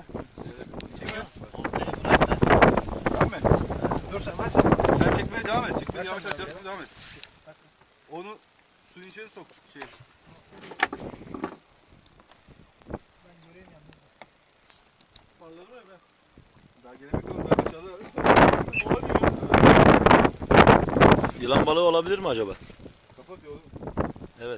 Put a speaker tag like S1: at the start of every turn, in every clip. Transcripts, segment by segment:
S1: Çekiyor.
S2: Tamam mı?
S1: Dur sen ver.
S2: Sen çekmeye devam et. Çekmeye yavaş yavaş devam et. Onu suyun içine sok.
S1: Ben göreyim yalnız.
S2: Parladı mı ben? Daha gene bakalım. Daha aşağıda. Olabiliyor.
S3: Yılan balığı olabilir mi acaba?
S2: Kapat yolu.
S3: Evet.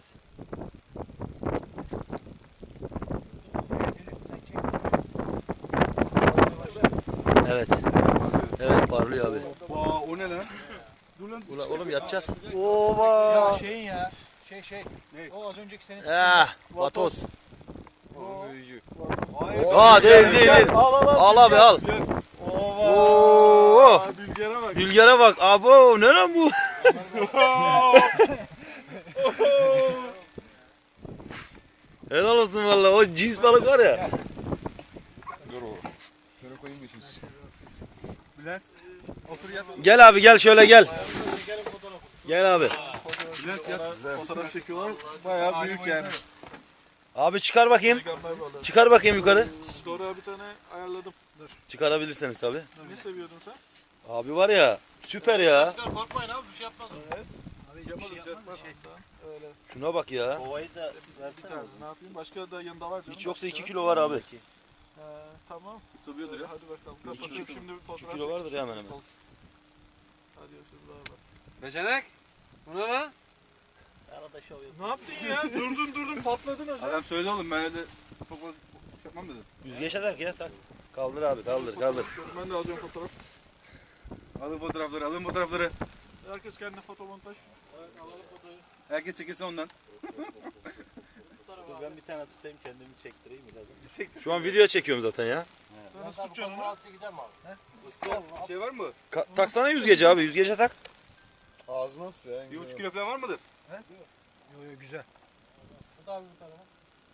S3: Evet. Evet parlıyor abi.
S2: Vaa o ne lan? Dur lan.
S3: Ulan oğlum yatacağız.
S2: Ova.
S1: Ya şeyin ya. Şey.
S2: Ne?
S1: O az önceki senin.
S3: Vatoz.
S2: O büyücü.
S3: Aa değil. Al abi al.
S2: Ova.
S3: Oo.
S2: Dülgere bak.
S3: Dülgere bak. Abo ne lan bu? Helal olsun valla. O cins balık var ya.
S2: Dur o. Şöyle koyayım da şimdi. Bülent. Otur yat.
S3: Gel abi gel şöyle gel. Gel abi.
S2: Bülent yat. Fotoğraf çekiyorlar. Bayağı büyük yani.
S3: Abi çıkar bakayım. Çıkar bakayım yukarı.
S2: Store'a bir tane ayarladım. Dur.
S3: Çıkarabilirseniz tabi.
S2: Ne seviyordun sen?
S3: Abi var ya süper ya.
S4: Korkmayın abi bir şey yapmadım.
S2: Evet.
S1: Abi
S2: Yapmadım,
S1: bir şey yapma.
S2: yapmaz. Öyle.
S3: Şuna bak ya.
S4: Kovayı da
S2: Bir tane. Ne yapayım? Başka da yanında var canım.
S3: Hiç yoksa 2
S2: Başka.
S3: kilo var abi.
S2: Tamam.
S3: Sığıyordur ya.
S2: Hadi bakalım.
S3: İki
S2: Kapatıyorum
S3: kilo-
S2: şimdi bir
S3: 2
S2: fotoğraf
S3: kilo vardır
S2: çekeceğim.
S3: hemen hemen.
S2: Hadi şurada bak.
S4: Becenek. Bu ne lan? Arada şov yok.
S2: Ne yaptın ya? durdun patladın hocam. Adam söyledi oğlum ben öyle çok fazla yapmam dedim.
S3: Yüzgeçe tak ya tak. Kaldır abi kaldır.
S2: Ben de alacağım fotoğraf. Alın fotoğrafları. Herkes kendine fotomontaj. Alalım fotoğrafı. Herkes çekilsin ondan.
S4: Dur ben bir tane tutayım kendimi çektireyim biraz.
S3: Şu an video çekiyorum zaten ya.
S2: Nasıl tutacaksın onu?
S4: Gider mi abi?
S2: Şey var mı?
S3: Taksana yüzgeci abi yüzgece tak.
S4: Ağzına su ya.
S2: 1,5 kilo falan var mıdır?
S1: Yo güzel.
S4: Bu da abi bu tarafa.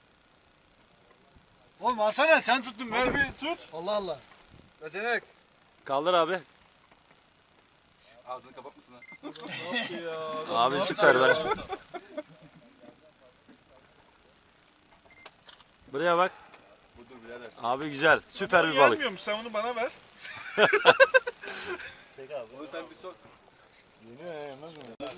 S1: Oğlum alsana sen tuttun
S2: Ver
S1: ben.
S2: bir tut.
S1: Allah Allah.
S2: Becenek.
S3: Kaldır abi.
S2: Ağzını kapatmasın ha.
S3: Abi süper be. Buraya bak.
S2: Dur birader.
S3: Abi güzel. Süper bir balık.
S2: Gelmiyormuş sen onu bana ver.
S4: Çek abi.
S2: Onu sen bir sok.
S4: Yeni yemez mi?